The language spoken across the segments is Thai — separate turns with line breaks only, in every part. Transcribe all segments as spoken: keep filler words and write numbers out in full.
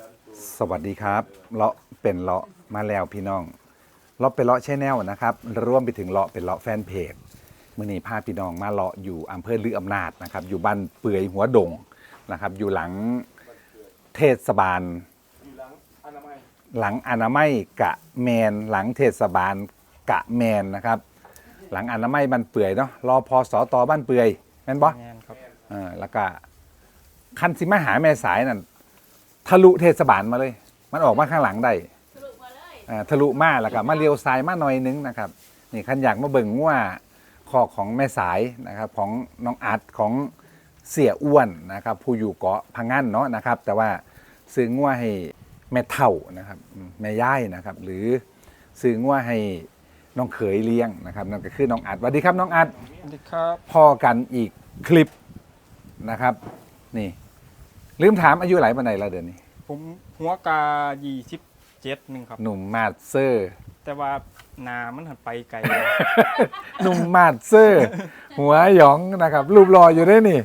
สวัสดีครับเลาะเป็นเลาะมาแล้วพี่น้องเลาะเป็นเลาะแชนแนลนะครับร่วมไปถึงเลาะเป็นเลาะแฟนเพจมื่อนี้พาพี่น้องมาเลาะอยู่อำเภอลืออำนาจนะครับอยู่บ้านเปื่อยหัวดงนะครับอยู่หลังเทศบาลหลังอนามัยกะแมนหลังเทศบาลกะแมนนะครับหลังอนามัยบ้านเปื่อยเนาะรอพอสตบ้านเปื่อยแม่นบ่แม่นครับอ่าแล้วก็คันสิมาหาแม่สายนั่นทะลุเทศบาลมาเลยมันออกมาข้างหลังได้ทะลุมาเลยอ่าทะลุมาแล้วก็มาเลี้ยวซ้ายมาหน่อยนึงนะครับนี่คันอยากมาเบิ่งว่าคอของแม่สายนะครับของน้องอัดของเสี่ยอ้วนนะครับผู้อยู่เกาะพังงันเนาะนะครับแต่ว่าซื้องัวให้แม่เฒ่านะครับแม่ย่ายนะครับหรือซื้องัวให้น้องเขยเลี้ยงนะครับนั่นก็คือน้องอัดสวัสดีครับน้องอัด
สวัสดีครับ
พอกันอีกคลิปนะครับนี่ลืมถามอายุหลายปันไหนละเดือนนี้
ผมหัวกายี่สิบเจ็ดหนึ่งครับ
หนุ่มมาดเซอร์
แต่ว่านามันหันไปไกล
หนุ่มมาดเซอร์หัวหยองนะครับรูปรออยู่ได้นี่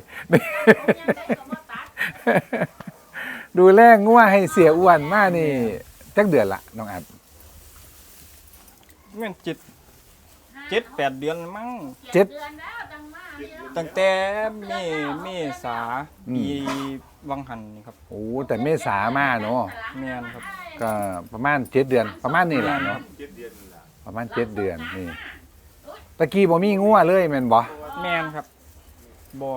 ดูแลงัวให้เสียอ้วนมากนี่จักเดือนละน้องอัด
แม่นเจ็ดเจ็ดแปดเดือนมั้ง
เจ็ด
ตั้งแต่เมเมษาปีวังหันนี่ครับ
โอ้แต่เมษามาเนาะ
แม่นครับ
ก็ประมาณเจ็ดเดือนประมาณนี้แหละเนาะประมาณเจ็ดเดือนนี่ตะกี้บ่มีงัวเลยแม่นบ่
แม่นครับบ่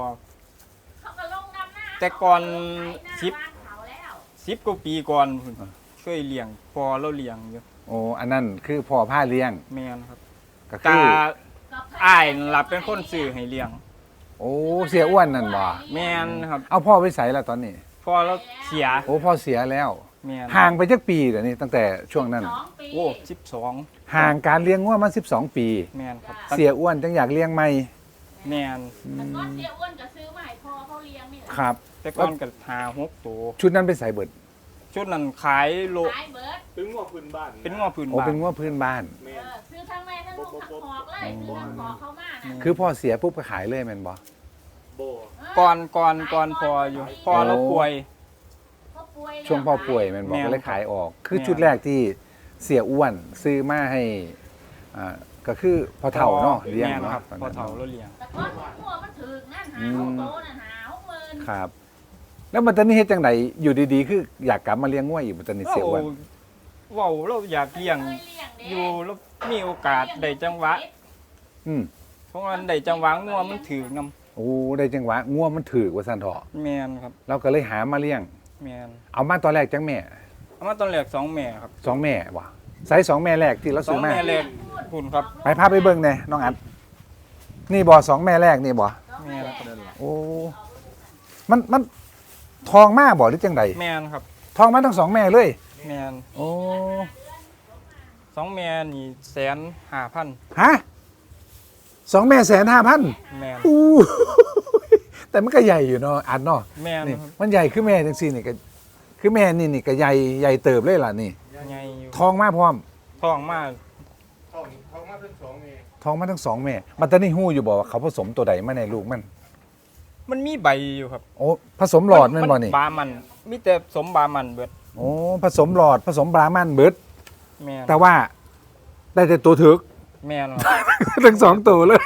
แต่ก่อนสิบสิบกว่าปีก่อนช่วยเลี้ยงพอเราเลี้ยงอยู่
โอ้อันนั้นคือพ่อผ้าเลี้ยง
แม่นครับก็คืออ้ายรับเป็นคนซื้อให้เลี้ยง
โอ้เสียอ้วนนั่นบ่
แม่นครับ
เอาพ่อไปใส่แล้วตอนนี้
พ่อเราเสีย
โอ้พ่อเสียแล้ว
แม่น
ห่างไปจักปีเดี๋ยวนี้ตั้งแต่ช่วงนั้น
โอ้สิบสอง
ห่างการเลี้ยงงัวมาสิบสองปี
แม่นครับ
เสียอ้วนจังอยากเลี้ยงใหม่
แม่น
แต่ก่อนเสียอ้วนก็ซื้อมาให้พ่อเขาเลี้ยงนี่แหละ
ครับ
แต่ก่อนก็หาหกตัว
ชุดนั้นไปใส่เบิด
ชุดนั้นขายโล
ขายเบิด
เป็นง้อพื้นบ้าน
เป็นง้อพื้นบ้าน
โอ้เป็นง้อพื้นบ้าน
เออซื้อทั้งแม่ทั้งลูกทั้งหอกเลยซื้อทั้งหอกเขามานะ
คือพ่อเสียปุ๊บก็ขายเลยแม่นบ่
ก่อนก่อนก่อนพออยู่พอแล้วป่วย
ช่วงพ่อป่วยแม่นบ่ก็เลยขายออกคือชุดแรกที่เสียอ้วนซื้อมาให้อ่าก็คือพ่อเฒ่าเนาะเลี้ยงเนาะ
พ่อเฒ่าเราเลี้ยง
แต่ก่อนหัวมันถึกนั่นหาหกโตนั่นหาหกหมื่น
ครับแล้วมันตอนนี้เฮ็ดจังไดอยู่ดีๆคืออยากกลับมาเลี้ยงงัวอีกมันตอนนี้เสียอ้วน
ว้าวเราอยากเลี้ยงอยู่แล้วมีโอกาสได้จังหวะ
อืม
เพราะว่าได้จังหวะงัวมันถึกนำ
โอ้ได้จังหวะงัวมันถึกว่าซั่นเถาะ
แม่นครับ
เราก็เลยหามาเลี้ยง
แม่น
เอามาตอนแรกจังแม่
เอามาตอนแรกสองแม่ครับ
สองแม่ว่ะไซส์สองแม่แรกที่เราซื้อมา
สองแม่แรกคุณครับ
ไปพาไปเบิ่งแน่น้องอัดนี่บ่สองแม่แรกนี่บ่
แม่ครับ
โอ้มันมันทองมากบ่หรือจังได
แม่นครับ
ทองมาทั้งสองแม่เลย
แม่น
โอ้
สองแม่นี่แสนห้าพัน
ฮะสองแม่แสนห้าพัน
แม่น
อู้แต่มันก็ใหญ่อยู่เนาะอัดเนาะ
แม่น
มันใหญ่คือแม่จังซี่นี่ก็คือแม่นี่นี่ก็ใหญ่ใหญ่เติบเลยล่ะนี่
ใหญ่อยู่
ทองมาพร้อม
ทองมา
ทองทองมาทั้งสองแม่
ทองมาทั้งสองแม่มันตอนนี้ฮู้อยู่บ่ว่าเขาผสมตัวใดมาในลูกมัน
มันมีใบอยู่ครับ
โอ้ผสมหลอดแม่นบ่นี่
บามันมีแต่สมบามันเบิด
โอ้ผสมหลอดผสมบรามันเบิด
แม่น
แต่ว่าได้แต่ตัวถึก
แม่น
ทั้งสองตัวเลย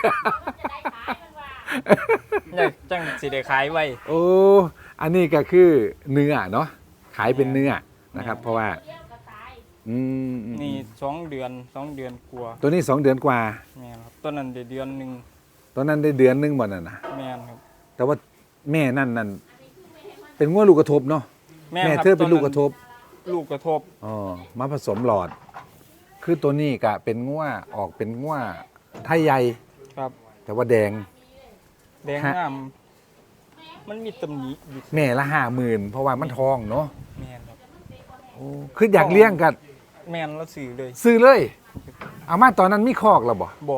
อยากจังสิได้ขายไว้
โอ้อันนี้ก็คือเนื้อเนาะขายเป็นเนื้อนะครับเพราะว่าอืม
นี่สองเดือนสองเดือนกว่า
ตัวนี้สองเดือนกว่า
แม่นครับตัวนั้นได้เดือนนึง
ตัวนั้นได้เดือนนึงบ่นั่นน่ะ
แม่นครับ
แต่ว่าแม่นั่นนั่นเป็นงัวลูกกระทบเนาะแม่เธอเป็นลูกกระทบ
ลูกกระทบ
อ๋อมาผสมหลอดคือตัวนี้ก็เป็นงัวออกเป็นงัวไทยใหญ่
ครับ
แต่ว่าแดง
แดงงามมันมีตำหนิอยู่
แม่ละห้าหมื่นเพราะว่ามันทองเนาะ
แม่นครับ
โอ้คืออยากเลี้ยงกัน
แม่นแล้วซื้อเลย
ซื้อเลยเอามาตอนนั้นมีคอกแล้วบ่
บ่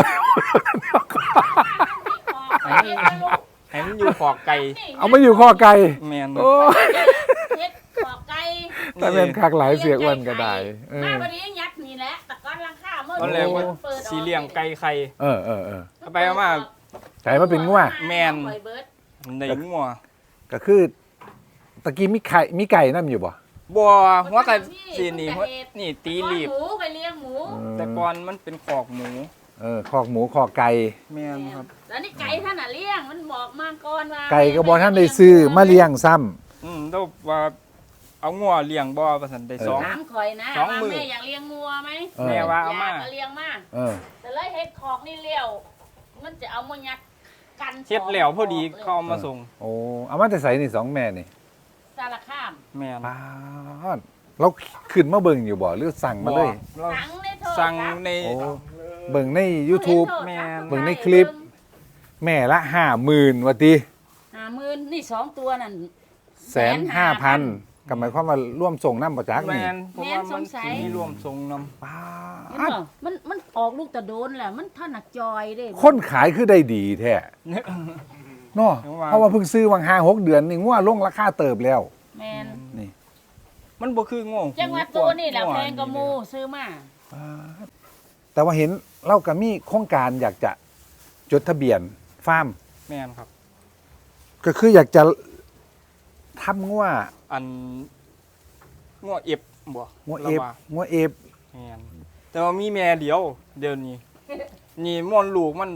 ให้มันอยู่คอกไก่
เอามาอยู่คอกไก่
แม่น
โอ้
เฮ็ดคอกไก่
แต่เป็นคักหลายเสียอ้วนก็ได้
เออมาวันนี้ยัดนี่แหละแต่ก่อนราคาเมื่อ
ตอนแรกว่าสีเลี้ยงไก่ไข่
เออเออเออ
เอาไปเอามา
ไก่มาเป็นงัว
แม่นในงัว
ก็คือตะกี้มีไข่มีไก่นั่นอยู่บ่
บัวหัวกะสีนี่หัวนี่ตีรีบ
หมูไปเลี้ยงหมู
แต่ก่อนมันเป็นขอกหมู
เออคอกหมูคอกไก่
แม่นครับ
แล้วนี่ไก่ท่านน่ะเลี้ยงมันบอกมาก่อนว่า
ไก่ก็บ่ท่านได้ซื้อมาเลี้ยงซ้ำ
อืมแล้วว่าเอางัวเลี้ยงบ่ว่าซั่นได้สอง
ถามข่อยนะ
สอง
ว่า
มื้อ
แม่อยากเลี้ยงงัวไหม
เออ
แม่ว่าเอา
อยา
มา
กเลี้ยงมา
เออ
แต่เลยเฮ็ดคอกนี่เลี้ยว มันจะเอามายัดกัน
เฮ็ดแล้วพอดีเขาเอามาส่ง
โอ้เอามาแต่ใส่นี่สองแม่นี่
สารคาม
แม่น
ป้าดเราขึ้นมาเบิ่งอยู่บ่หรือสั่งมาเลย
เรา
สั่งในโทรศัพท์
สั่งใน
โอ้เบิ่งใน YouTube
แม่น
เบิ่งในคลิป แม่ละห้าหมื่นว่าติ
ห้าหมื่นนี่สองตัวนั่น
แสนห้าพันก็หมายความว่าร่วมส่งน้ำประจักษ์
แม่
นี่
นผมว่ามันสิมีรวมส่งนำ
ป้า
เห็น
ด
บ่มันมันออกลูกตะโดนแหละมันท่านน่ะจอยเด้
คนขายคือได้ดีแท้เนาะ
ถึงว่า
เพราะว่าเพิ่งซื้อวังห้าหกเดือนนี่งัวลงราคาเติบแล้ว
แม่น
นี่
มันบ่คือง่วง
จังหวัดตัวนี่แหละแพงกว่าหมู่ซื้อมา
แต่ว่าเห็นเราก็มีโครงการอยากจะจดทะเบียนฟาร์ม
แม่นครับ
ก็คืออยากจะทำงัว
อันง่วงเอฟบ่
งัวเอ
ระ
ฟ
ว่า
งัวเอฟ
แม่นแต่ว่ามีแม่เดียว เดี๋ยวนี้ นี่ม่อนลูกมัน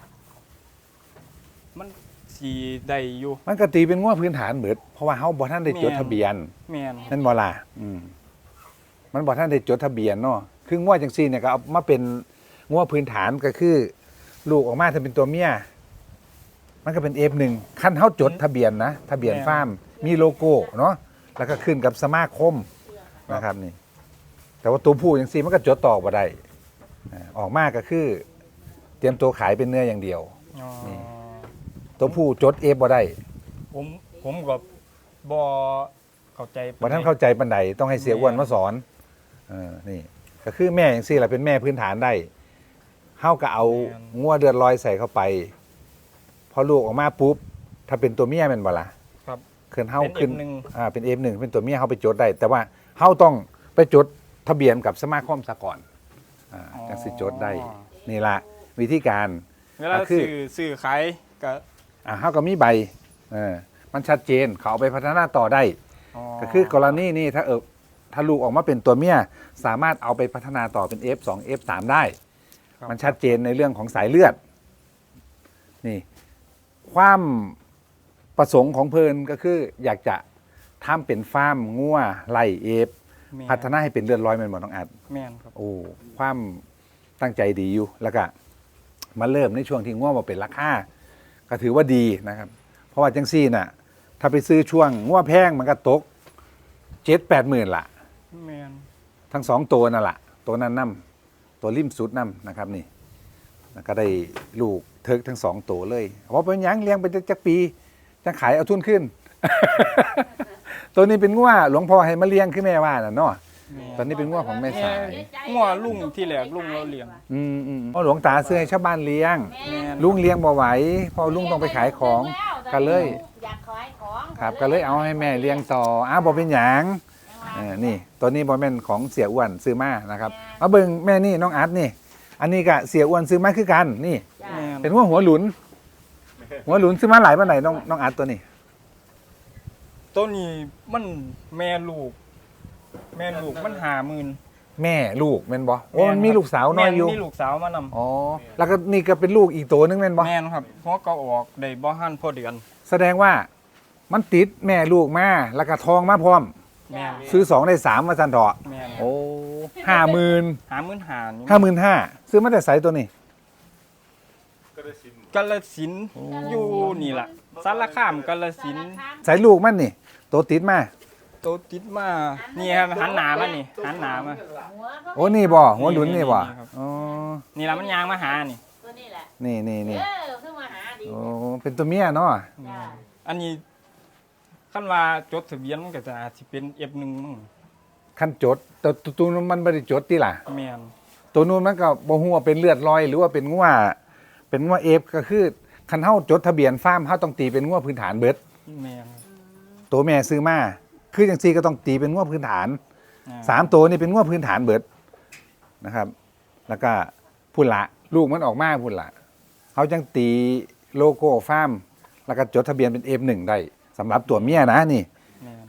มันสีได้อยู่
มันก็ตีเป็นงัวพื้นฐานเหมือนเพราะว่าเฮาบ่ทันได้จดทะเบียน
แม่น
นั่นบ่ล่ะอืมมันบ่ทันได้จดทะเบียนเนาะคืองัวจังซี่เนี่ยก็เอามาเป็นงัวพื้นฐานก็คือ ลูกออกมาถ้าเป็นตัวเมียมันก็เป็น เอฟ หนึ่งคันเฮาจดทะเบียนนะทะเบียนฟาร์มมีโลโก้เนาะแล้วก็ขึ้นกับสมาคมนะครับนี่ แต่ว่าตัวผู้จังซี่มันก็จดต่อบ่ได้อ่าออกมาก็คือ เตรียมตัวขายเป็นเนื้ออย่างเดียว
อ๋อ
นี่ ตัวผู้จดเอฟบ่ได้
ผมผมก็บ่เข้าใจ
บ่ท่านเข้าใจปันใดต้องให้เสียอ้วนมาสอนเออนี่ ก็คือแม่อย่างซี่แหละเป็นแม่พื้นฐานได้เฮาก็เอางัวเดือดลอยใส่เข้าไป พอลูกออกมาปุ๊บ ถ้าเป็นตัวเมียแม่นบ่ล่ะ
ครับ
ขึ้นเฮา
เป็น
ขึ้น
เอฟหนึ่ง
อ่าเป็น เอฟ หนึ่งเป็นตัวเมียเฮาไปจดได้ แต่ว่าเฮาต้องไปจดทะเบียนกับสมาคมซะก่อนอ่าจังสิจดได้ นี่ล่ะวิธีการ
เวลา
ก็คือ
ซื้อซื้อขายก็
อ่าเฮาก็มีใบเออมันชัดเจนเขาเอาไปพัฒนาต่อได้
อ๋อ
ก็คือกรณีนี้ถ้าเออถ้าลูกออกมาเป็นตัวเมียสามารถเอาไปพัฒนาต่อเป็น เอฟ สอง เอฟ สาม ได้
ครับ
มันชัดเจนในเรื่องของสายเลือด นี่ ความประสงค์ของเพลินก็คือ อยากจะทำเป็นฟาร์มงัวไล่เอฟ
แม่น
พัฒนาให้เป็นเลือดร้อยแมันหมดต้องอัด
แม่นครับ
โอ้ความตั้งใจดีอยู่แล้วก็มาเริ่มในช่วงที่งัวมาเป็นราคาก็ถือว่าดีนะครับ เพราะว่าจังซี่น่ะ ถ้าไปซื้อช่วงงัวแพงมันก็ตกเจ็ดแปดหมื่นละ
แม่น
ทั้งสองตัวนั่นแหละตัวนั้นนํตัวริมสุดนํนะครับนี่แล้วก็ได้ลูกเทิกทั้งสองตัวเลยว่าเป็นหยังเลี้ยงไปจักปีจะขายเอาทุนขึ้น ตัวนี้เป็นงัวหลวงพ่อให้มาเลี้ยงขึ้นแม่ว่าน่ะเนาะ
แม่น
ตอนนี้เป็นงัวของแม่สาย
งัวลุงที่แรกลุงเราเลี้ยง
อืมอืมเพราะหลวงตาซื้อให้ชาวบ้านเลี้ยง
แม่น
ลุงเลี้ยงบ่ไหวเพอลุงต้องไปขายของก็เลย
อยากขายของ
ครับก็เลยเอาให้แม่เลี้ยงต่ออ้าวบ่เป็นหยังเออนี่ตัวนี้บ่แม่นของเสียอ้วนซื้อมานะครับมาเบิ่งแม่นี่น้องอาร์ตนี่ อันนี้ก็เสียอ้วนซื้อมาคือกันนี่
จ้ะ
แม่น
เป็นหัวหัวหลุน หัวหลุนซื้อมาหลายปานใดน้องน้องอาร์ตตัวนี้
ตัวนี้มันแม่ลูก แม่ลูกมันห้าหมื่น
แม่ลูกแม่นบ่โอ้มันมีลูกสาวน้อยอยู่
แม่มีลูกสาวมานำ
อ๋อแล้วก็นี่ก็เป็นลูกอีกตัวนึงแม่นบ่
แม่นครับเพราะก็ออกได้บ่ทันพอเดือน
แสดงว่ามันติดแม่ลูกมาแล้วก็ทองมาพร้อม
แม่น
ซื้อสองได้สามมาซั่นเถาะ
แม่น
โอ้ห้าหมื่น
ห้าหมื่นห้านี่
ห้าหมื่นห้าซื้อมาแต่ไสตัวนี้
ก็ได้สิน
กาฬสินธุ์อยู่นี่ล่ะสารคามกาฬสินธุ์
ใส่ลูกมันนี่ตัวติดมา
โตติดมานี่ครับหันหน้ามานี่หันหน้ามา
หัวก็
โอ้นี่บ่หัวหลุนนี่บ่
นี่ครับ
อ๋อ
นี่ล่ะมันยางมาหานี่
ตัวนี้แหละ
นี่นี่นี่
เออขึ้นมาหาดี
โอ้เป็นตัวเมียเนาะ
จ้ะ
อันนี้คันว่าจดทะเบียนมันก็จะอาจสิเป็น เอฟ หนึ่งมั้ง
คันจดแต่ตัวตัวนู้นมันบ่ได้จดติล่ะ
แม่น
ตัวนู้นมันก็บ่ฮู้ว่าเป็นเลือดลอย หรือว่าเป็นงัวเป็นงัวเอฟก็คือคันเฮาจดทะเบียนฟาร์มเฮาต้องตีเป็นงัวพื้นฐานเบิด
แม่น
ตัวแม่ซื้อมาคือจังซี่ก็ต้องตีเป็นงัวพื้นฐาน
อ่
สามตัวนี่เป็นงัวพื้นฐานเบิดนะครับ แล้วก็พุ่นละลูกมันออกมาพุ่นละเขาจังตีโลโก้ฟาร์มแล้วก็จดทะเบียนเป็น เอฟ หนึ่ง ได้สำหรับตัวเมียนะนี่
แม่น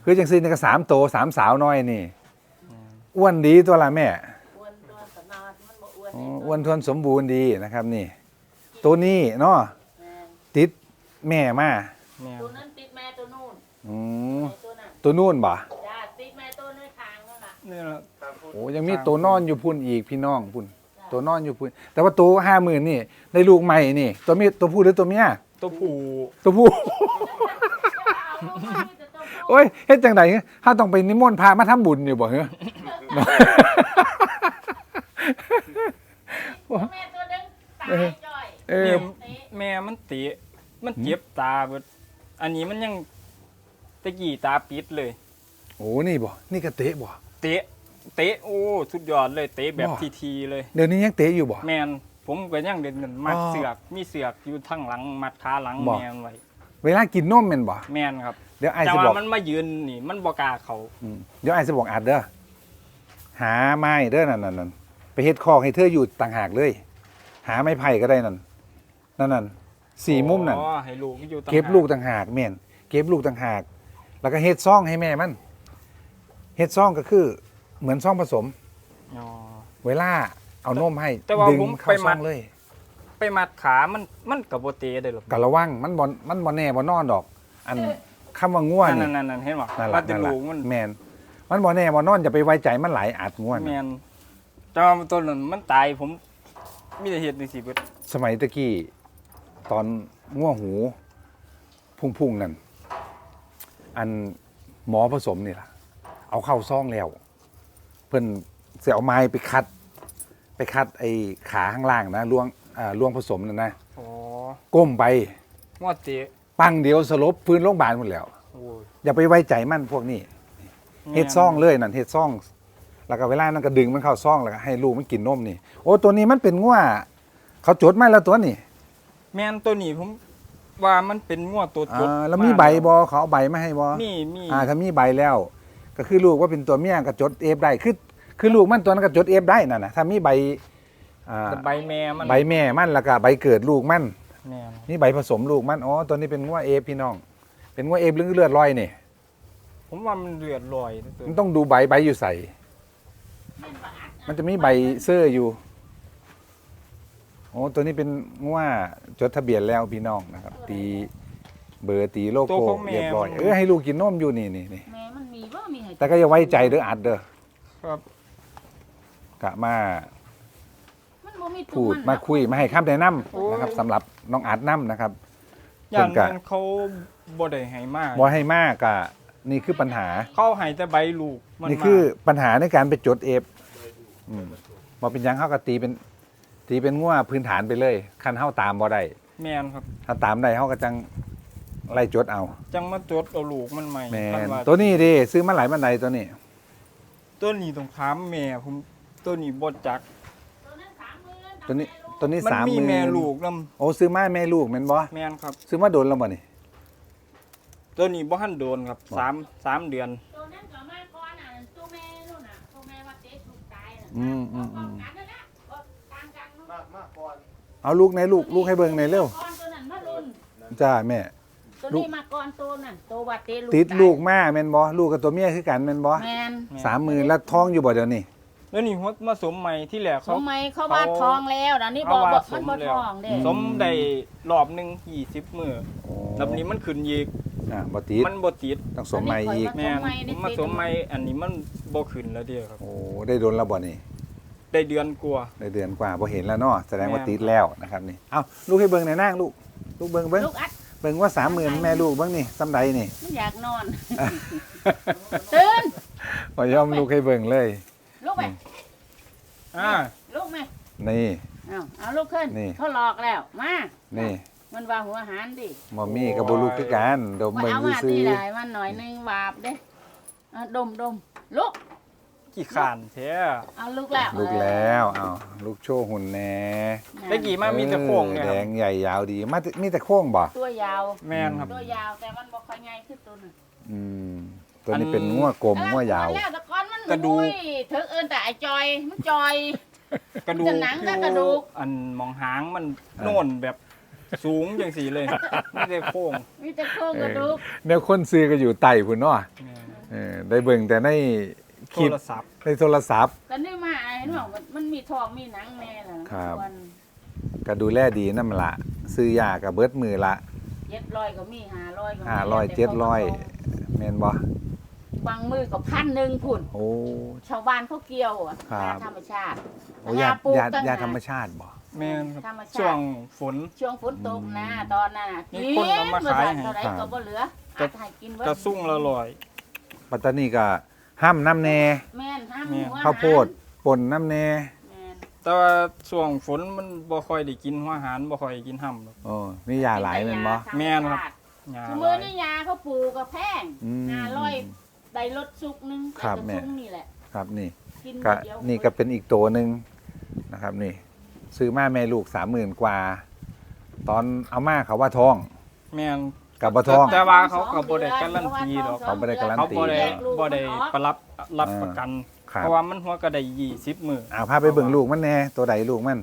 คือจังซี่นี่ก็สามโตสามสาวน้อยนี่อ้วนดีตัวละแม่
อ้วนตัวสนอนมันบ่อ้วน
อ๋ออ้วนทวนสมบูรณ์ดีนะครับนี่ ตัวนี้เนาะ
แม่น
ติดแม่มา
แม่น
ตัวนั้นติดแม่ตัวนู่น
อืม
แม่ตัวนั้น
ตัวนู่นบ่
จ้าติดแม่ตัวในทางนั่นล่ะ
นี่ล่ะ
ตามพูด
โอ้ยังมีตัวนอนอยู่พุ่นอีกพี่น้องพุ่นตัวนอนอยู่พุ่นแต่ว่าตัวห้าหมื่นนี่ได้ลูกใหม่นี่ ตัวเมียตัวผู้หรือตัวเมีย
ตัวผู้
ตัวผู้
เอาลูกมามีแต่ตัวผู้
โอ้ยเฮ็ดจังไดถ้าต้องไปนิมนต์พระมาทำบุญอยู่บ่เหรอ
แม่ตัวนึงตายจ่อย
เออ
เนี่ยแม่มันเตะมันเจ็บตาเบิดอันนี้มันยังตะกี้ตาปิดเลย
โอ้นี่บ่นี่ก็เตะบ่
เตะเตะโอ้สุดยอดเลยเตะแบบ
ว้า
ทีๆเลย
เดี๋ยวนี้ยังเตะอยู่บ่
แมนผมก็ยังเดินกันมัด
อ๋อ
เสือกมีเสือกอยู่ทั้งหลังมัดขาหลัง
บ่
แมนไว้
เวลากินนมแม่นบ่
แมนครับ
เดี๋ยวไอ้
แต่
สิบ
ว่า
อก
มันมายืนนี่มันบ่กล้าเขา
อืมเดี๋ยวไอ้สิบอกอัดเด้อหาไม้เด้อนั่นนั่นนั่นไปเฮ็ดคอกให้เธออยู่ต่างหากเลย หาไม้ไผ่ก็ได้นั่นนั่นนั่นสี่มุมนั่น
อ๋อให้ลูกอยู่ต่าง
เก็บ
หา
ลูกต่างหากแม่นเก็บลูกต่างหาก แล้วก็เฮ็ดซ่องให้แม่มันเฮ็ดซ่องก็คือ เหมือนซ่องผสม
อ๋อ
เวลาเอานมให้
แต่ว่า
ดึง
ผม
เข้า
ไป
ซ่
มั
อ
ด
งเลย
ไปมัดขามันมันกับโบเตะได้หรอก
ก็ระวังมันบ่มันบ่แน่บ่นอนดอก อันคำว่าง่ว
นั่น
นี่
นั่นนั่นเห็นบ่
นั่น
มั
ล่ะ
นจะ
นั่นล่ะ
ลูกมัน
แม่นมันบ่แน่บ่นอนอย่าไปไว้ใจมันหลายอาจง่ว
แม
นะ
นแต่ว่าตัวนั้นมันตายผมมีแต่เห็ดในสิเบิด
สมัยตะกี้ตอนง่วหู พุ่งๆนั่นอันหมอผสมนี่ล่ะ เอาเข้าซ่องแล้ว เพิ่นเสียเอาไม้ไปคัด ไปคัดไอ้ขาข้างล่างนะล่วงอ่าล่วงผสมนั่นนะ
อ๋อ
ก้มไป
งอเตะ
ปังเดียวสลบพื้นโรงพยาบาลหมดแล้ว
โอ้ย
อย่าไปไว้ใจมันพวกนี้ เฮ็ดซ่องเลยนั่นเฮ็ดซ่อง แล้วก็เวลานั้นก็ดึงมันเข้าซ่องแล้วก็ให้ลูกมันกินนมนี่ โอ้ตัวนี้มันเป็นง่วเขาจดมาแล้วตัวนี้
แมนตัวนี้ผมว่ามันเป็นงวดตัวจด
อ่าแล้วมีใบบอเขาเอาใบมาให้บอ
มีมี
อ่าถ้ามีใบแล้ว ก็คือลูกว่าเป็นตัวเมียก็จดเอฟได้คือคือลูกมันตัวนั้นก็จดเอฟได้นั่นนะถ้ามีใบอ่า
แต่ใบแม่มัน
ใบแม่มันแล้วก็ใบเกิดลูกมัน
แม่น
นี่ใบผสมลูกมันอ๋อตัวนี้เป็นงัวเอฟพี่น้อง เป็นงัวเอฟเลือดเลือดลอยนี่
ผมว่ามันเลือดลอยนะตัว
มันต้องดูใบใบอยู่ใส่
แม่นบ่อัด
มันจะมีใบเสื้ออยู่โอ้ตัวนี้เป็นงัวจดทะเบียนแล้วพี่น้องนะครับ ตีเบอร์ตีโลโก้เรียบร้อยเออให้ลูกกินนมอยู่นี่นี่นี่
แม่มันมีบ่มีให้
แต่ก็อย่าไว้ใจเด้ออัดเด้อ
ครับ
กะมา
มันบ่มีตัว
พูด
น
มาคุยมาให้คำแนะน
โอ้
ำนะครับสำหรับน้องอัดน้ำนะครับ
ย่าน
เพิ่นกะ
มันเขาบ่ได้ให้มาก
บอให้มากกะนี่คือปัญหา
เขาให้แต่ใบลูกมัน
นี่คือ
มา
ปัญหาในการไปจดเอฟอืมบอเป็นหยังเขาก็ตีเป็น ตีเป็นง่วพื้นฐานไปเลยคันเข้าตามบอได้
แม่นครับ
ถ้าตามได้เขาก็จังไล่จดเอา
จังมาจดเอาลูกมันใหม่
แม
คัน
น
ว่า
ตัวนี้ดิซื้อมาหลายบันไดตัวนี้
ตัวนี้ต้องถามแม่ผมตัวนี้บ่จัก
ตัวนั้นสามหมื่น
ตัวนี้ตัวนี้
มัน
สาม
มี
หมื่น
แม่ลูกนํ
โอ้ซื้อมาแม่ลูกแม่นบอ
แม่นครับ
ซื้อมาโดนแล้วบ่นี่
ตัวนี้บ่ทันโดนครับ
บ่
สามสามเดือน
ตัวนั้นก็มาก่อนน่ะตัวแม่นู่นน่ะตัวแม่ว่าเจ๊ถูกตายน่ะ
อืมอืมอืม
กันนั่นแหละบ่ต่างกันนู่น
มากมากก่อน
เอาลูกในลูกลูกให้เบิ่งในอยเร็ว
ก่อนตัวนั้นมารุ่น
จ้าแม่
ตัวนี้มาก่อนตัวนั่นตัวว่าเจ๊ลูก
ติด
ตาย
ลูกมาแม่นบอลูกกับตัวเมียคือกันแม่นบอ
แม่น
สามหมื่นแล้วท้องอยู่บ่เดี๋ยวนี้
แล้วนี่หัวมาสมใหม่ที่แหลก
ส
เขา
มัยเขาว่า
เขา
ทองแล้วนะนี่บ
เขา
อก
ว่า
บอก
ส
มัน
ม
บ่
แล้
ท
ว
องเด้
สมได้รอบหนึงยี่สิบมื้อ
โอ้
แล้วนี้มันขึ้นอีก
อ่าบ่ติด
มันบ่ติด
ต้องสมใหม่อีก
แม่นผมมาสมใหม่อันนี้มันบ่ขึ้นแล้วเด้อครับ
โอ้ได้โดนแล้วบ่นี่
ได้เดือนกว่า
ได้เดือนกว่าบ่เห็นแล้วเนาะแสดงว่า
แม่น
ติดแล้วนะครับนี่เอ้าลูกให้เบิ่งในอยนางลูกลูกเบิ่งเบิ่ง
ลูกอัด
เบิ่งว่าสามหมื่นแม่ลูกเบิ่งนี่ซ้ำใดนี่
มันอยากนอน ตื่น
บ่ยอมลูกให้เบิ่งเลย
ลูกไป
อ่า
ลูกไหม
นี่
เอาเอาลูกขึ้น
นี่
เขาหลอกแล้วมา
นี่
มันว่าหัวหารดิ
บ่มีกับบ่ลูกคือกันดม
ว่า
เบิ่ง
เอามา
ซื่
ที่
อ
ไหนมันหน่อยนึงบาปเด้เอาดมดมลูก
กี่ขานแท้
เอาลูกแล้ว
ๆลูกแล้วเอ้าลูกโชว์หุ่นแหน่
ตะกี้มามีแต่โค้งเนี่ย
แด
ครับ
งใหญ่ยาวดีมามีแต่โค้งบ่
ตัวยาว
แม่นครับ
ตัวยาวแต่มันบ่ค่อยใหญ่ขึ้นตัวหนึง
อืมตัวนี้เป็นงัวกลมงัวยาว
แล้วแต่ก่อนมัน
กระดูก
อุ้ยถึงเอิ้นแต่ไอ้จอยมันจอย
กระดูก
จะหนัง
อ
กับ
ยู่
กระดูก
อันมองหางมันโน่นแบบสูงจังสีเลยไม่ได้โค้ง
มีแต่โครงกระดูก
แนวคนซื้อก็อยู่ไต่พุ่นเนาะ
แม่น
เออได้เบิ่งแต่ในค
โท
ลิป
รศัพท์
ในโทรศัพท์
กันได้มาเห็นบอกมันมีทองมีหนังแน่ล่ะ
ครับ
ส่วน
ก็ดูแลดีนั่นละซื้อยากับเบิดมือละ
เจ็ดร้อยก็มีห้าร้อยก็มี
ห้าร้อยเจ็ดร้อยแม่นบ่
บางมือก็พันหนึ่งพุ่น
โอ้
ชาวบ้านเขาเกี่ยวอ่ะ
ครับ
ยาธรรมชาติ
โอ้ยา
ปลูก
ยา
ตั้ง
ยา
หก
ธรรมชาติบ่
แม่นค
ธร
รับ
รมชาติ
ช่วงฝน
ช่วงฝนตกนะตอนนั้นน่ะ
มีคนเอามาขายให้
เท่าไหร่ก็บ่เหลือ
ก็
อาจจะให้กินเบิด
กระสุ่งละร้อย
ปัตตานีก็ห้ามน้ำแน่
แม่นห้าม
แม่น
หัว
ข้าวโพดป่นน้ำแน่
แม่น
แต่ว่าช่วงฝนมันบ่ค่อยได้กินหัวอาหารบ่ค่อยกินห่ำหรอก
โอ้มียาหลายแม่นบ่
แม่นครับ ยา
คือ
ห
มือ
ลาย
นี่ยาเขาปลูกก็แพง
อืม
ห้าร้อยได้รถสุกหนึง
ครับ
แต่
แม่
กระซุ่งนี่แหละ
ครับนี่
กิน
ก็
เดียว
นี่ก็เป็นอีกตัวหนึ่งนะครับนี่ ซื้อมาแม่ลูกสามหมื่นกว่า ตอนเอามาเขาว่าทอง
แม่น
กับบ่ทอง
แต่ว่าเขาก็บ่ได้การันตีหรอก
เขาบ่ได้การัน
เขา
ตี
บ่ได้
แยกลูก
บ่ได้
มันออก
ประรับรับ
อ่า
ประกัน
ครับ
เพราะว่ามันหัวก็ได้ยี่สิบมื้อ
อ่าพาไปเบิ่งลูกมันแน่ตัวใดลูกมัน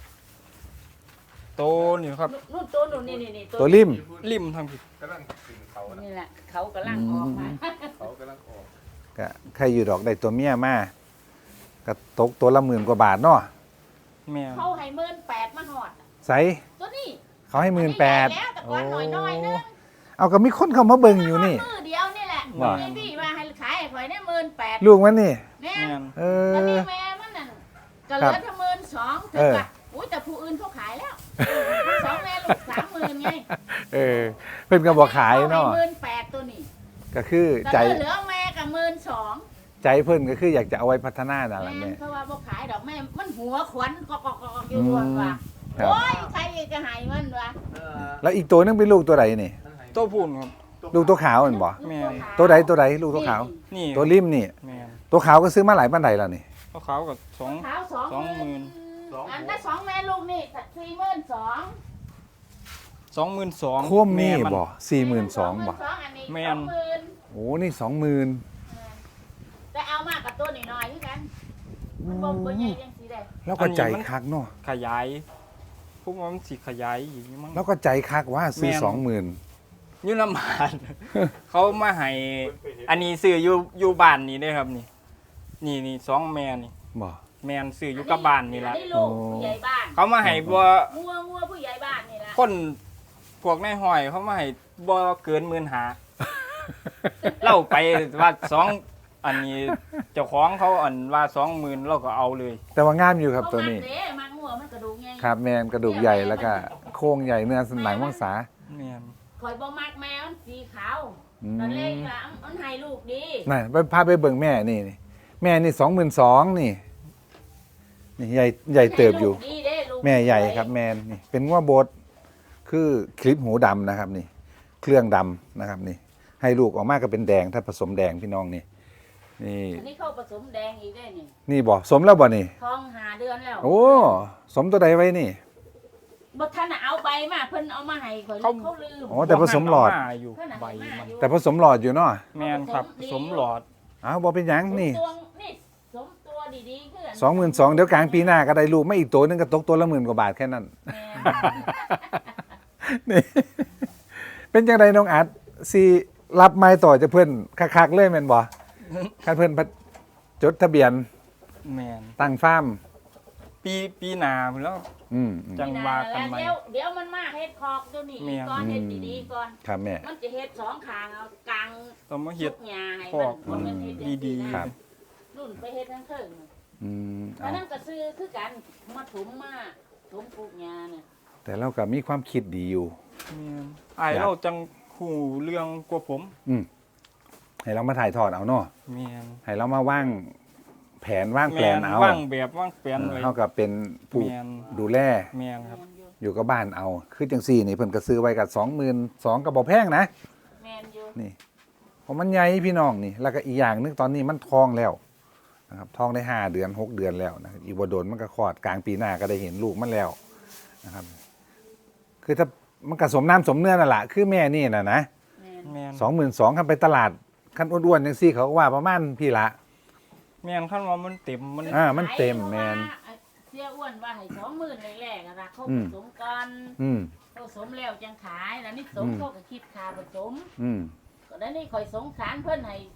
โตนี่ครับ
นู่นตัวนู่นนี่นี่นี่
ตัวริม
ริมทางผิด
กำลังกินเขานะ
นี่แหละเขากำลังออกมา
เขากำลังออก
ก็ใครอยู่ดอกได้ตัวเมียมาก็ตกตัวละหมื่นกว่าบาทเนาะ
แม่น
เขาให้หมื่นแปดมาหอด
ใส่
ตัวนี้
เขาให้หมื่นแปด
อัแล้วแต่ก่อนหน่อยน้อยๆนึง
เอาก็มีคนเข้ามาเบิ่งอยู่นี่
มือเดียวนี่แหละ
ว่า
มีพี่มาให้ขายให้ข่อยเนี่ยหมื่นแปด
ลูกมันนี่
เนี่ย
แม่น
เอ
ตอน
อ
นี้แม่มันนั่นก็เหลือแค่หมื่นสองถึ
เอง อ
กับอุ้ยแต่ผู้อื่นเขาขายแล้วสองแม่ลูกสามหมื่นไง
เออเพิ่นก็บ่ขายเนาะ
หมื่นแปดตัวนี้
ก็คือ
แต่
ใจ
เหลือแม่กับหมื่นสอง
ใจเพิ่นก็คืออยากจะเอาไว้พัฒนานั่นแหละ
แม่
แม่
เพราะว่าบ่ขายดอกแม่มันหัวขวัญกอกๆๆๆอยู่รวนว่ะ
ครับ
โอ้ยใครจะหายมันวะ
แล้วอีกตัวนึงเป็นลูกตัวใดนี่
โตพูนครับ
ลูกตัวขาวมันบ่
แม่
ตัวใดตัวใดลูกตัวขาว
นี่
ตัวริมนี่
แม่น
ตัวขาวก็ซื้อมาหลายปานใดแล้วนี่
เขาขาวกับสอง
ขาวสอง
สองหมื่น
อันถ้าสองแม่ลูกนี่สี่หมื่นสอง
สองหมื่นสอง
โคมนี่บ่สี่หมื่นสองบ่
อันนี้
แม่
ส
น
องหมื่น
โอ้นี่สองหมื่น
แต่เอามากกับตัวหน่อยๆคือกันมันบ่บ่ใหญ่จังสีได้
แล้วก็ใจคักเนาะ
ขยายพวกมันสิขยายอีกมั้ง
แล้วก็ใจคักว่าซื้อ
แม่น
สองหมื่น
อยุน้ำมัน เขามาให้อันนี้ซื้ออยู่อยู่บ้านนี่เด้อครับนี่ นี่นี่สองแม่นี่
บ่
แม่นซื้ออยู่กับบ้านนี่ละ
อัลูกผู้ใหญ่บ้าน
เขามาให้บ่
งัวงัวผู้ใหญ่บ้านนี่ละ
คนพวกนายห้อยเขามาให้บ่เกินหมื่นหา เล่าไปว่าสองอันนี้เจ้าของเขาอันว่าสองหมื่นเราก็เอาเลย
แต่ว่างามอยู่ครับตัวนี้
เขามักเด้มักงัวมันกระดูกใหญ่
ครับแมนกระดูกใหญ่แล้วก็โครงใหญ่เนื้อสันหลังมังสา
แม่น
ข่อยบ่มักแมวมันสีขาว
อื
ตอนเล็ก
ม
อะมันให้ลูกดี
น่ะไปพาไปเบิ่งแม่นี่นี่แม่นี่สองหมื่นสองนี่นี่ใหญ่ใหญ่เติบอยู่
ให้ลูกดีเด้ลูก
แม่ใหญ่ครับแมนนี่เป็นงัวบดคือคลิปหูดำนะครับนี่ เครื่องดำนะครับนี่ ให้ลูกออกมาก็เป็นแดงถ้าผสมแดงพี่น้องนี่นี่
อันนี้เข้าผสมแดงอีกได้นี่
นี่บ่สมแล้วบ่นี่
ท้องหาเดือนแล้ว
โอ้สมตัวใดไว้นี่
บ่ทันน่ะเอาใบมาเพิ่นเอามาให้ข่อย
เขา
เขาลืม
อ๋อแต่ผสมหลอด
เาาอยู่
เพิ่นน่ะ
ใบ
ให้มา
มัน
อยู่
แต่ผสมหลอดอยู่เนาะ
แม่นครับผสมหลอด
อ้าวบ่เป็นหยังนี่
ตัวนี่สมตัวดีๆคือ
สองหมื่นสองเดี๋ยวกลางปีหน้าก็ได้ลูกไม่อีกตัวหนึงก็ตกตัวละหมื่นกว่าบาทแค่นั้น
แม่
นี่ เป็นจังไดน้องอัดสิรับไม้ต่อจะเพิ่นคักๆเลยแม่นบ่คันเพิ่นพัดจดทะเบียน
แม่น
ตั้งฟาร์ม
ปีปีหน้าพุ่นแล้ว
อืมอืม
จังว่ากันใหม่
เดี๋ยวเดี๋ยวมันมาเฮ็ดคอกตัวนี้
แม่
ก่อนเฮ็ดดีๆก่อน
ครับแม่
มันจะเฮ็ดสองข้างเอากลาง
ต้องมาเฮ็ด
ทุกหญ้าให้
คอก
มันมันเฮ็ดอย่าง
ดี
นี้
ๆ
นะครับ นุ่นไปเฮ็ดทั้งเทิง
อืม
อั
เอา
นนั้นก็ซื้อคือกันมาถมมาถมปลูกหญ้าเนี่ย
แต่เราก็มีความคิดดีอยู่
แม่นอ้ายเราจังหูเรื่องกว่าผม
อืมให้เรามาถ่ายทอดเอาเนาะ
แม่น
ให้เรามาว่างแผนว่างแปลนเอา
ว่างแบบว่างแปลนไว้
เท่ากับเป็นผู้
แม่น
ดูแล
แม่นครับ
แมนอยู่
อยู่กับบ้านเอา คือจังซี่นี่เพิ่นก็ซื้อไว้กับสองหมื่นสองก็บ่แพงนะ
แมนอยู่
นี่เพราะมันใหญ่พี่น้องนี่ แล้วก็อีกอย่างหนึงตอนนี้มันทองแล้วนะครับทองได้ห้าเดือนหกเดือนแล้วนะครับอีบโดนมันก็คลอดกลางปีหน้าก็ได้เห็นลูกมันแล้วนะครับ คือถ้ามันก็สมน้ำสมเนื้อนั่นแหละคือแม่นี่น่ะนะ
แมน
แม่น
สองหมื่นสองคันไปตลาดคันอ้วนๆจังซี่เขาก็ว่าประมาณพี่ละ
แม่นคันว่ามันเต็มมัน
อ่ามันเต็มแมน
เสียอ้วนว่าให้สองหมื่นแรกๆอะนะเขา
อื
ผม สมกัน
อืม
เขาสมแล้วจังขายแล้วนี่สม
อืม
เขาก็คิดค่าผสม
อืม
ก็ได้นี่คอยสงสารเพิ่นให้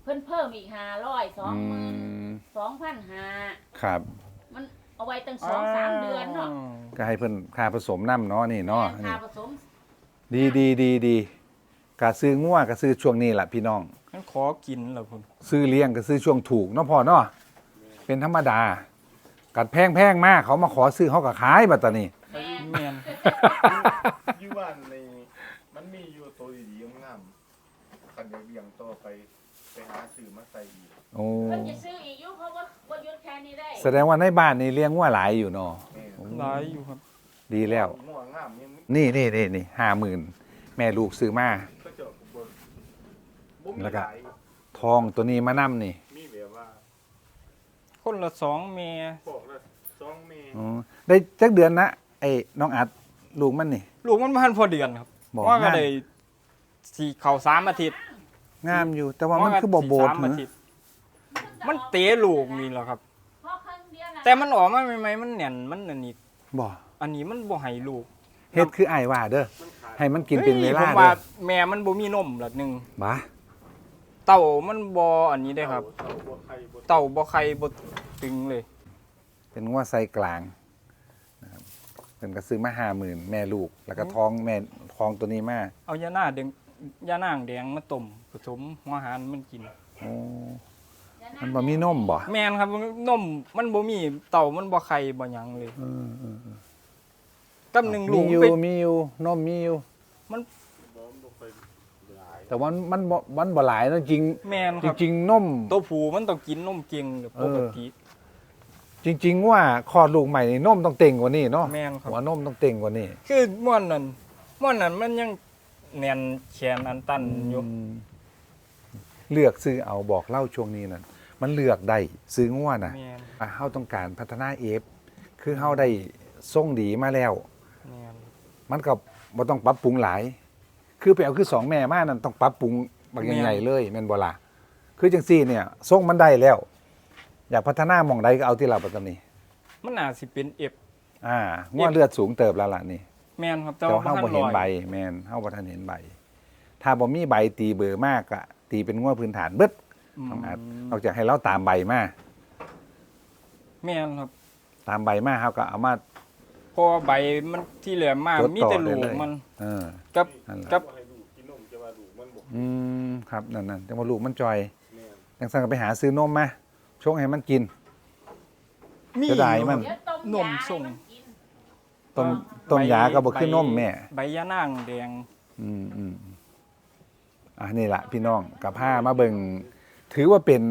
เพิ่นเพิ่มอีกห้าร้อยสอง
อื
หมื่น
ม
สองพันห้า
ครับ
มันเอาไว้ตั้งสองสามเดือนเนาะ
ก็ให้เพิ่นค่าผสมน้ำเนาะนี่เนาะ
แม่
นี่
ค่าผสม
ดีดีดีดีกะซื้องัวกะซื้อช่วงนี้แหละพี่น้อง
มันขอกินเหรอพุ่น
ซื้อเลี้ยงก็ซื้อช่วงถูกเนาะพ่อเนาะเป็นธรรมดา กัดแพงแพงมากเขามาขอซื้อเขาก็ขายบัดตานี้
แม่
แม่น
อยู่บ้านในมันมีอยู่ตัวดีๆงามๆคันอยากเลี้ยงต่อไปไปหาซื้อมาใส่อีก
โอ้
เพิ่นจะซื้ออีกอยู่เพราะว่าบ่หยุดแค่นี้ได้
แสดงว่าในบ้านนี่เลี้ยงงัวหลายอยู่เนาะ
แม่
หลายอยู่ครับ
ดีแล้ว
ม่วงงามยัง
นี่นี่นี่นี่ห้าหมื่นแม่ลูกซื้อมา
ก็เจาะบ่บ่มี
แล้วก็
หลาย
ทองตัวนี้มานํนี่
มีแบบว่า
คนละสองเม
บอกละสองเมตร
อ๋อได้จักเดือนนะไอ้น้องอัดลูกมันนี่
ลูกมันพันพอเดือนครับ
บอก
ว่าก็
งาม
ได้สี่เข่าสามอาทิตย์
งามอยู่ แต่ว่ามันคือบ่โบด
สามอา
นะ
ทิตย์มันเตะลูกนี่แหละครับ
เพราะครั้งเดียวน่ะ
แต่มันออกมาใหม่ๆมันแน่นมันอันนี้
บ่
อันนี้มันบ่ให้ลูก
เฮ็ดคืออ้ายว่าเด้อให้มันกินเป็นเวลา
ฮ้ยผม
เด้
ว่า
อ
แม่มันบ่มีนมละหนึง
บ่า
เต่ามันบ่อันนี้ได้ครับ
เต่าบ่ไข่บ่
เต่าบ่ไข่บ่ตึงเลย
เป็นงัวไซกลางนะครับเป็นก็ซื้อมาห้าหมื่นแม่ลูก แล้วก็ท้องแม่ท้องตัวนี้มา
เอายาหน้าแดงยานางแดงมาต้มผสมหัวอาหารมันกิน
โอ้มันบ่มีนมบ่
แม่นครับนมมันบ่มีเต่ามันบ่ไข่บ่หยังเลย
เออเออเออ
กำหนึ่งลู
มี
ก
อยู่
ไป
มีอยู่นมมีอยู่
บ่บ่ค่อยหลาย
แต่ว่ามันบ่มันบ่หลายเนอะจริง
แม่น
จ
ครับ
ริงๆนม
ตัวผู้มันต้องกินนมเก่งหรือปกติ
จริง ๆ ว่าคลอดลูกใหม่นี่นมต้องเต่งกว่านี้เนาะ
แม่นครับ
หัวนมต้องเต่งกว่านี้
คือม่วนนั้นม่วนนั้นมันยังแน่นแขนอันตันอยู่
อืมเลือกซื้อเอาบอกเล่าช่วงนี้นั่นมันเลือกได้ซื้องัวน่ะ
แม่น
อ่ะเฮาต้องการพัฒนาเอฟคือเฮาได้ส่งดีมาแล้ว
แม่น
มันก็บ่ต้องปรับปรุงหลาย คือไปเอาคือสองแม่มานั่นต้องปรับปรุงบางใหญ่ๆเลยแม่นบ่ล่ะคือจังซี่เนี่ยส่งมันได้แล้ว อยากพัฒนาหม่องใดก็เอาที่เราปัตตานี
มันน่าสิเป็นเอฟ
อ่างัวเลือดสูงเติบแล้วล่ะนี่
แม่นครับแต่
แต่
ว่า
ว่าเฮาบ่
บ่
เห็น
ทัน
ใบ
ร้อย
แม่นเฮาบ่ทันเห็นใบ ถ้าบ่มีใบตีเบอร์มากอะตีเป็นงัวพื้นฐานเบิด
อืม
น้องอาจนอกจากให้เราตามใบมา
แม่นครับ
ตามใบมาเฮาก็เอามา
เพราะว่าใบมันที่เหลือมา
จดต่อ
มีแต่ลูก
ได้เลย
มัน
เออ
กับ
นั่นแหละ
กับ
บ่ให้ลูกกินนมจะว่าลูกมันบ่
อืมครับนั่นๆแต่ว่าลูกมันจอย
แม่น
จังซั่นก็ไปหาซื้อนมมาชงให้มันกิน
มี
เสียดายมัน
เดี๋ยวต้ม
นม
ยา
ส่ง
ให้มันกิน
ต้มต้มยาก็บ่คือนมแม่
ใบยานางแดง
อืมอืมอ่ะนี่ล่ะพี่น้องกับผ้ามาเบิ่งถือว่าเป็น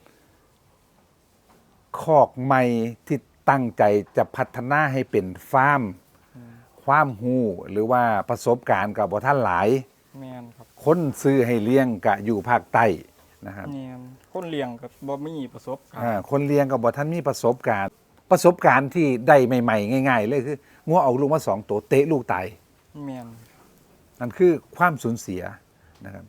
คอกใหม่ที่ตั้งใจจะพัฒนาให้เป็นฟาร์ม ความหูหรือว่าประสบการณ์กับบ่ท่านหลาย
แม่นครับ
คนซื้อให้เลี้ยงกะอยู่ภาคใต้นะครับ
แม่นคนเลี้ยงก็บ่มีประสบการ
อ่า
ณ์
คนเลี้ยงกับบ่ท่านมีประสบการณ์ ประสบการณ์ที่ได้ใหม่ๆง่าย ๆ เลยคืองัวเอาลูกมาสองตัวเตะลูกตาย
แม่น
นั่นคือความสูญเสียนะครับ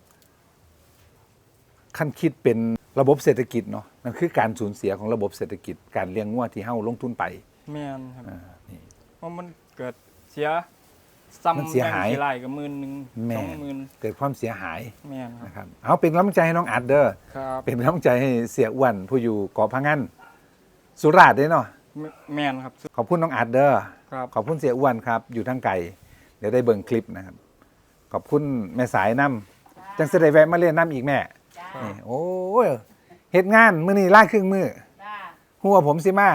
ขั้นคิดเป็นระบบเศรษฐกิจเนาะนั่นคือการสูญเสียของระบบเศรษฐกิจ การเลี้ยงงัวที่เฮาลงทุนไป
แม่นครับ
อ่านี่
เพราะมันเกิดเสียซ้
มัน
ำ
เสียหาย
แบงค์กี่ไร่กับหมื่นหนึง
แม่
สองหมื่น
เกิดความเสียหาย
แม่นครับ
นะครับเอาเป็นกำลังใจให้น้องอัดเด้อ
ครับ
เป็นกำลังใจให้เสียอ้วนผู้อยู่เกาะพังงันสุราษฎร์เด้อเนาะ
แม่แม่นครับ
ขอบคุณน้องอัดเด้อ
ครับ
ขอบคุณเสียอ้วนครับ อยู่ทางไกลเดี๋ยวได้เบิ่งคลิปนะครับ ขอบคุณแม่สายน้ำจังจะได้แวะมาเรียนน้ำอีกแม่
จ้า
นี่โอ้ยเฮ็ดงานมื้อนี้ล่าครึ่งมื้อ
จ้า
หัวผมสิมา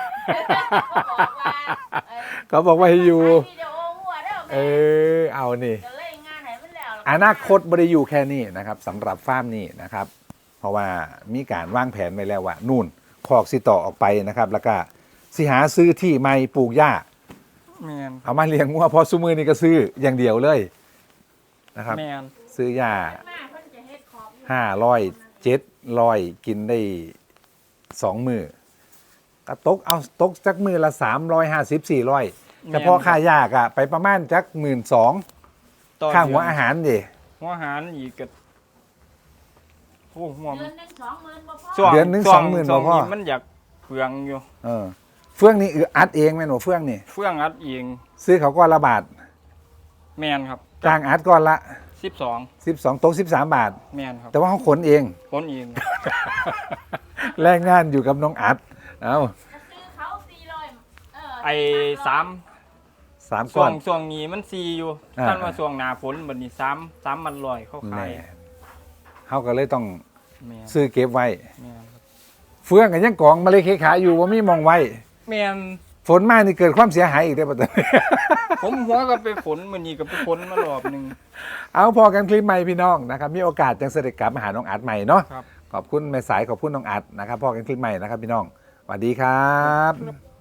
เขาบอกว่าเอ่อ
เขาบอกว่าให้อยู่
ถ่ายวิดีโอหัวเด้อ
เอ
แม่
อเอานี่
จะเล่นงานไหนมันแล้วล่ะ
อนาคตบ่ได้อยู่แค่นี้นะครับสำหรับฟาร์มนี้นะครับ เพราะว่ามีการวางแผนไว้แล้วว่านู่นคอกสิต่อออกไปนะครับ แล้วก็สิหาซื้อที่ใหม่ปลูกหญ้า
แม่น
เอามาเลี้ยงงัวเพอซุมือนี่ก็ซื้ออย่างเดียวเลยนะครับ
แม่น
ซื้อหญ้า
มากเพิ่นจะเฮ็ดขอบอยู่
ห้าร้อยเจ็ดร้อยกินได้สองมือก็ตกเอาตกจักมือละสามร้อยห้าสิบสี่ร้อยแต่พอค่ายากอะไปประมาณจักหมื่นสอง
ต่อ
ค่าหัว
เดืน
อาหารดิ
หัวอาหารอีกก็โอ้หัว
เดือนหนึงสองหมื่นบ่พอ
ช่วง
เดือนหนึง
ช่ว
สองหมื่น
ช่ว
บ่พอ
มันอยากเปลืองอยู่
เออเฟื่องนี่อืออัดเองแม่นบ่เฟื่องนี่
เฟื่องอัดเอง
ซื้อเขาก้อนละบาท
แม่นครับ
จ้างอัดก้อนละ
สสิบสอง
สิบสองตกสิบสามบาท
แม่นครับ
แต่ว่าเขาขนเอง
คนเอง
แรงงานอยู่กับน้องอัดเอ้า
จะซื้อเขาสี่ร้อยเออ
ไอ้สาม
สาม
ช่
ก้
ว
อง น
ช่วงนี้มันซีอยู่
อ่า
ท่านว่าช่วงหน้าฝนบัดนี้สามสามมันลอยเข้าขา
แม่
ย
เขาก็เลยต้อง
แม่น
ซื้อเก็บไว้
แม่นครับ
เฟืองกันยังกองมาเลยเคขาอยู่ว่ามีมองไว้
แม่น
ฝนมานี่เกิดความเสียหายอีกได้อปะตอนนี้
ผมหัวก็ไปฝนมื้อนี้ก็ไปฝนมารอบหนึง
เอาพอกันคลิปใหม่พี่น้องนะครับมีโอกาสจังเสด็จกลับมาหาน้องอัดใหม่เนาะ
ครับ
ขอบคุณแม่สายขอบคุณน้องอัดนะครับพอกันคลิปใหม่นะครับพี่น้องสวัสดีครับ